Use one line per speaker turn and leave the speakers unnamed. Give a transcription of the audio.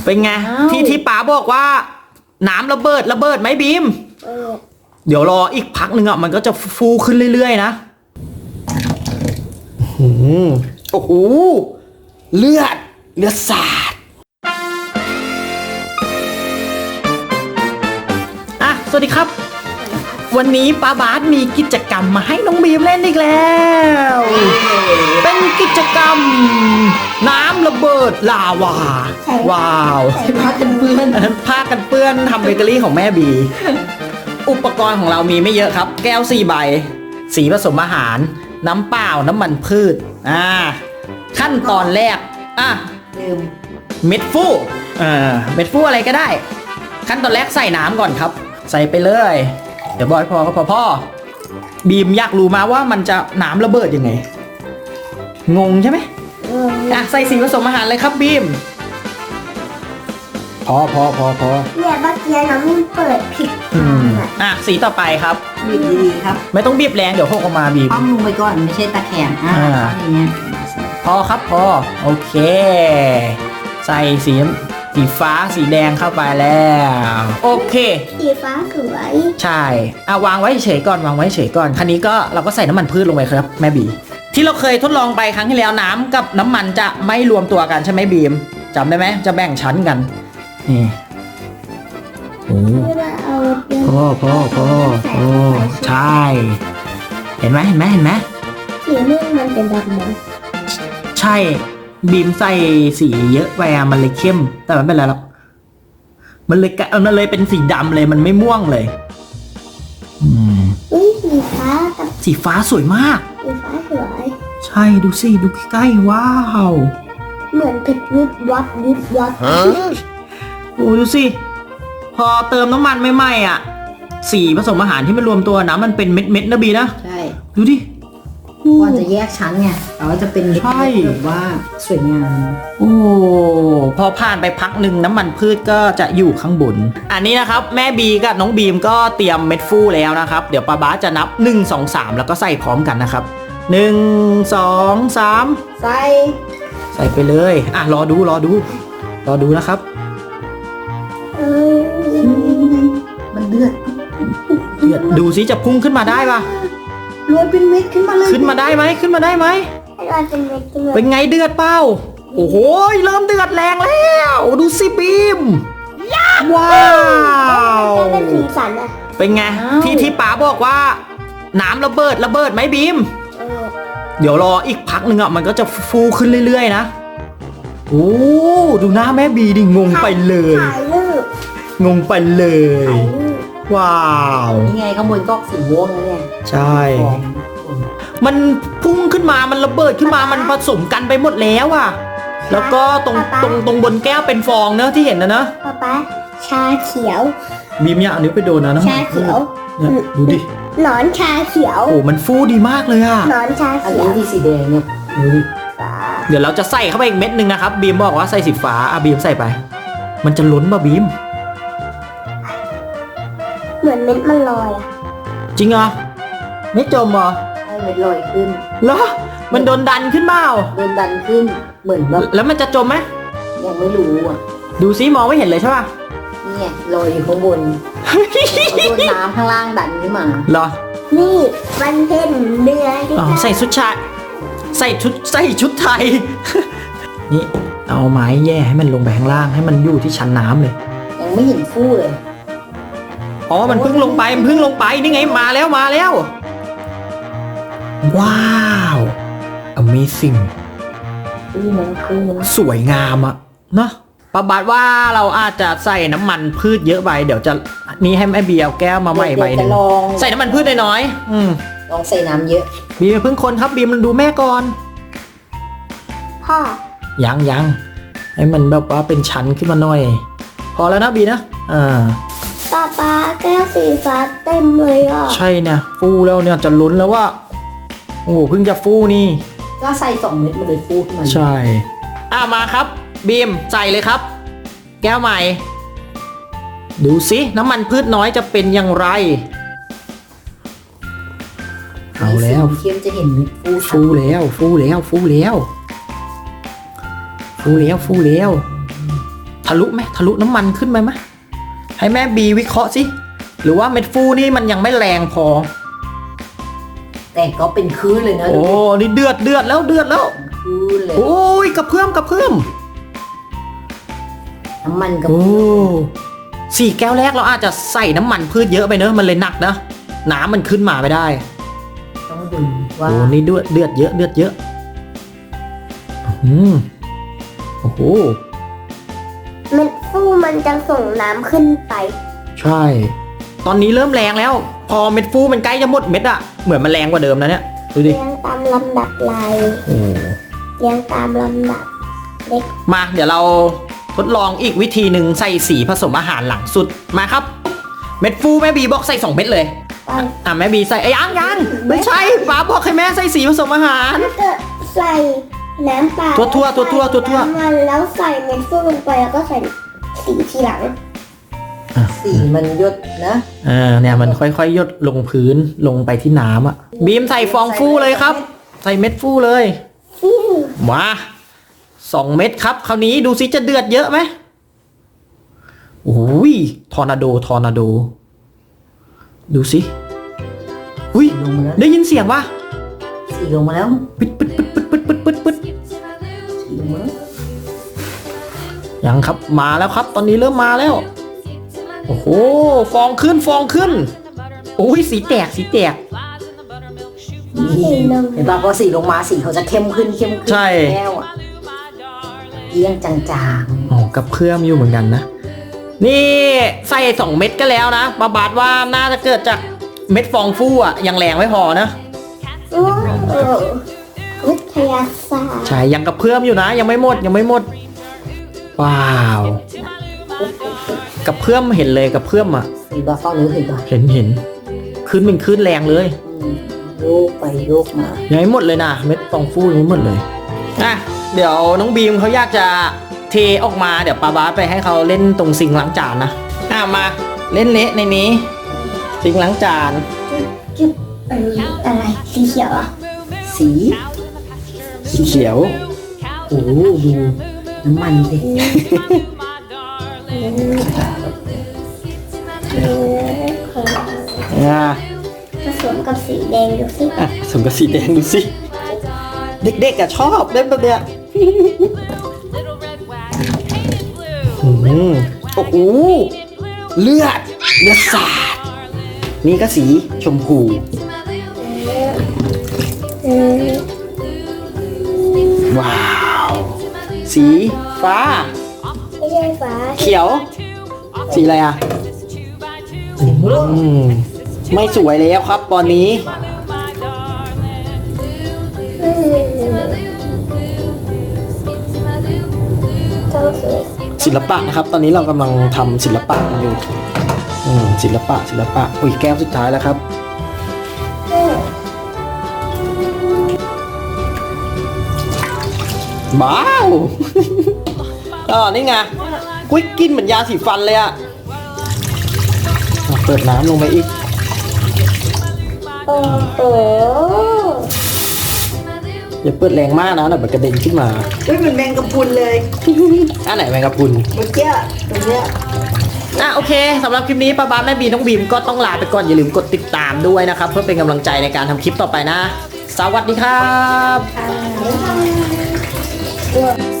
เป็นไงที่ป๋าบอกว่าน้ำระเบิดไหมบีมเดี๋ยวรออีกพักหนึ่งอ่ะมันก็จะฟูขึ้นเรื่อยๆนะโอ้โหเลือดสาดอ่ะสวัสดีครับวันนี้ป้าบาสมีกิจกรรมมาให้น้องบีมเล่นอีกแล้วเป็นกิจกรรมน้ำระเบิดลาวาว้าวผ้ากันเปื้อนทำเบเกอรี่ของแม่บีอุปกรณ์ของเรามีไม่เยอะครับแก้ว4 ใบสีผสมอาหารน้ำเปล่าน้ำมันพืชขั้นตอนแรกเม็ดฟูเม็ดฟูอะไรก็ได้ขั้นตอนแรกใส่น้ำก่อนครับใส่ไปเลยเดี๋ยวบอกให้พอก็พอพ่อบีมอยากรู้มาว่ามันจะน้ำระเบิดยังไงงงใช่ไหมใส่สีผสมอาหารเลยครับบีมพอ
เนี่ยเมื่อกี้น้ำมันเปิดผิด
สีต่อไปครับ
บีบดีๆครับ
ไม่ต้องบีบแรงเดี๋ยวหกออกมาบีบ
ปั้มลงไปก่อนไม่ใช่ตะแคงอย่างเงี้ย
พอครับพอโอเคใส่สีฟ้าสีแดงเข้าไปแล้วโอเค
สีฟ้าสวย
ใช่วางไว้เฉยก่อนคันนี้ก็เราก็ใส่น้ำมันพืชลงไปครับแม่บีที่เราเคยทดลองไปครั้งที่แล้วน้ำกับน้ำมันจะไม่รวมตัวกันใช่ไหมบีมจำได้ไหมจะแบ่งชั้นกันนี่โอ้พ่อใช่เห็นไหม
สีม่วงมันเป็นดำไหม
ใช่บีมใส่สีเยอะไปมันเลยเข้มแต่ไม่เป็นไรหรอกมันเลยเป็นสีดำเลยมันไม่ม่วงเลยสีฟ้าสวยมาก
สีฟ้าสวย
ใช่ดูสิดูใกล้ๆว้าว
เหมือนเพชรวิบวับ
โอ้ดูสิพอเติมน้ำมันใหม่ๆสีผสมอาหารที่มันรวมตัวนะมันเป็นเม็ดนะบีนะ
ใช่
ดูดิ
ก่อนจะแยกชั้นไงแต่ว่าจะเป็นเม็ดแบบว่าสวยงาม
โอ้พอผ่านไปพักหนึ่งน้ำมันพืชก็จะอยู่ข้างบนอันนี้นะครับแม่บีกับน้องบีมก็เตรียมเม็ดฟูแล้วนะครับเดี๋ยวป้าบาสจะนับ1 2 3แล้วก็ใส่พร้อมกันนะครับ1 2 3ใส่ไปเลยรอดูนะครับ
มันเดือด
ดูสิจะพุ่งขึ้นมาได้ปะ
รวยเป็นเม็ดขึ้นมาเลย
ขึ้นมาได้ไหมเป็นไงเดือดเปล่าโอ้โหเริ่มเดือดแรงแล้วดูสิบีมว้าวเป็นไงที่ป๋าบอกว่าน้ำระเบิดไหมบีมเดี๋ยวรออีกพักหนึ่งมันก็จะฟูขึ้นเรื่อยๆนะโอ้ดูหน้าแม่บีดิงงไปเลยว้าว
นี่ไงข้างบนก็สีม่วงแล้วเนี่ย
ใช่มันพุ่งขึ้นมามันระเบิดขึ้นมามันผสมกันไปหมดแล้วแล้วก็ตรงบนแก้วเป็นฟองเนอะที่เห็นนะ
ป๊าชาเขียว
บีมอย่าเอานิ้วไปโดนนะ
ชาเขียว
เนี่ยดูดิ
หนอนชาเขียว
โอ้มันฟูดีมากเลย
หนอนชาเขียว
อันนี้สีแดงเนี่ย
ดูดิเดี๋ยวเราจะใส่เข้าไปอีกเม็ดนึงนะครับบีมบอกว่าใส่สีฟ้าบีมใส่ไปมันจะล้นป่ะบีม
เหมือนเม็ดมันลอย
จริงเหรอไม่จมเหรอ
เม็ดลอยขึ้น
เหรอมันโดนดันขึ้นเปล่า
โดนดันขึ้นเหมือนแบบ
แล้วมันจะจมไหม
ยังไม่รู้
ดูซิมองไม่เห็นเลยใช่ป่ะ
นี่ลอยอยู่ข้างบนโดนน้ำข้างล่างดันขึ้นมา
เหรอ
นี่วันเพ็ญเดือน
ใส่ชุดชายใส่ชุดไทยนี่เอาไม้แย่ให้มันลงไปข้างล่างให้มันอยู่ที่ชั้นน้ำเลย
ยังไม่เห็นฟูเลย
มันเพิ่งลงไปนี่ไงมาแล้วว้าว Amazing สวยงามเนาะป้าบาสว่าเราอาจจะใส่น้ำมันพืชเยอะไปเดี๋ยวจะนี่ให้แม่เบียร์แก้วมาใหม่ใบนึงใส่น้ำมันพืชน้อย
ลองใส่น้ำเยอะ
บีมเพิ่งคนครับบีมมันดูแม่ก่อน
พ่อ
ยังให้มันแบบว่าเป็นชั้นขึ้นมาหน่อยพอแล้วนะบีนะ
ป๊าแก้วสีฟ้าเต็มเลย
ใช่เนี่ยฟูแล้วเนี่ยจะล้นแล้วว่าโอ้เพิ่งจะฟูนี่
ก็ใส่2 เม็ดมาเลยฟูขึ้นมา
ใช่มาครับบีมใส่เลยครับแก้วใหม่ดูสิน้ำมันพืชน้อยจะเป็นอย่างไรเอาแล้ว
เข้มจะเห็น
ฟูแล้วทะลุไหมทะลุน้ำมันขึ้นไปไหมให้แม่บีวิเคราะห์สิหรือว่าเม็ดฟูนี่มันยังไม่แรงพอ
แต่ก็เป็นคืนเลยนะ
โอ้นี่เดือดแล้วเดือดแล้ว
คืนเลย
โอ้ยกระเพื่อม
น้ำมันกับ
โอ้สี่แก้วแรกเราอาจจะใส่น้ำมันพืชเยอะไปเนอะมันเลยหนักนะน้ำมันขึ้นมาไม่ได้
ต้องดูว่า
โอ้นี่เดือดเยอะโอ้โห
เม็ดฟูมันจะส่งน้ำขึ้นไป
ใช่ ตอนนี้เริ่มแรงแล้ว พอเม็ดฟูมันใกล้จะหมดเม็ดอะเหมือนมันแรงกว่าเดิมนะเนี่ยดูดิ
เรียงตามลำดับลาย
โอ้
เรียงตามลำดับเล็ก
มาเดี๋ยวเราทดลองอีกวิธีหนึ่งใส่สีผสมอาหารหลังสุดมาครับ เม็ดฟูแม่บีบอกใส่2 เม็ดเลย
ไป
แม่บีใส่ยังไม่ใช่ป้าบอกให้แม่ใส่สีผสมอาหาร
ถ้าเกิดใส่น้ำเปล่า
ทั่วๆ
ใส่น้ำมันแล้วใส่เม็ดฟูลงไปแล้วก็ใส่สีทีหลัง
สีมันหยดนะ
เนี่ยมันค่อยๆหยดลงพื้นลงไปที่น้ำอ่ะบีมใส่ฟองฟูเลยครับ ใส่เม็ดฟูเลย
ฟิว
มา2 เม็ดครับคราวนี้ดูสิจะเดือดเยอะไหมโอ้ยทอร์นาโดดูสิอุ้ย
ลงมาแล้ว
ได้ยินเสียงปะ
สีลงมาแล้ว
ปึ๊ด
สีลงมาแล้ว
ยังครับมาแล้วครับ ตอนนี้เริ่มมาแล้วโอ้โหฟองขึ้นโอ้ยสีแตก
นี่เห็นป่ะพอสีลงมาสีเขาจะเข้มขึ้น
ใช่
แก้วอ่ะเอียงจาง
อ๋อกับเพื่อมอยู่เหมือนกันนะนี่ใส่2 เม็ดก็แล้วนะบาดว่าน่าจะเกิดจากเม็ดฟองฟูอ่ะยังแรงไม่พอนะ
โอ้โหวิทยาศาสตร์
ใช่ยังกับเพื่อมอยู่นะยังไม่หมดว้าวกับเพื่อมเห็นเลยกับเพื่อมอ่ะ
ๆสีบาฟ้าหรือสีบา
เห็นขึ้นเป็นขึ้นแรงเลย
โยกไปโยกมา
ยังไม่หมดเลยนะเม็ดฟองฟูยังไม่หมดเลยอ่ะเดี๋ยวน้องบีมเขาอยากจะเทออกมาเดี๋ยวปาบาสไปให้เขาเล่นตรงซิงค์ล้างจานนะมาเล่นเละในนี้ซิงค์ล้างจาน
จุดอะไรสีเขียวอ่ะ
สี
สีเขียว
โอ้ดูน้ำมันสิ
ผสมกับสีแดงดูสิ
สมกับสีแดงดูสิเด็กๆอะชอบเล่นแบบเนี้ยโอ้โหเลือดสาดนี่ก็สีชมพูว้าวสีฟ้า
ไม่ใช่ฟ้า
เขียว สีอะไรอ่ะไม่สวยแล้วครับตอนนี้
ต้องสวย
ศิลปะนะครับ ตอนนี้เรากำลังทำศิลปะกันอยู่ศิลปะอุ้ยแก้วสุดท้ายแล้วครับบ้าว นี่ไงกุ้ยกินเหมือนยาสีฟันเลยอะเปิดน้ำลงไปอีก
โอ้โห
อย่าเปิดแรงมากนะเดี๋ยวมันกระเด็นขึ้นมา
เฮ้ยเหมือนแมงกะพรุนเลย
อันไหนแมงกะพรุน
เมื่อกี้ตรงเนี้ย
โอเคสำหรับคลิปนี้ป้าบ้าแม่บีน้องบีมก็ต้องลาไปก่อนอย่าลืมกดติดตามด้วยนะครับ เพื่อเป็นกำลังใจในการทำคลิปต่อไปนะ สวัสดีครับ
ทำ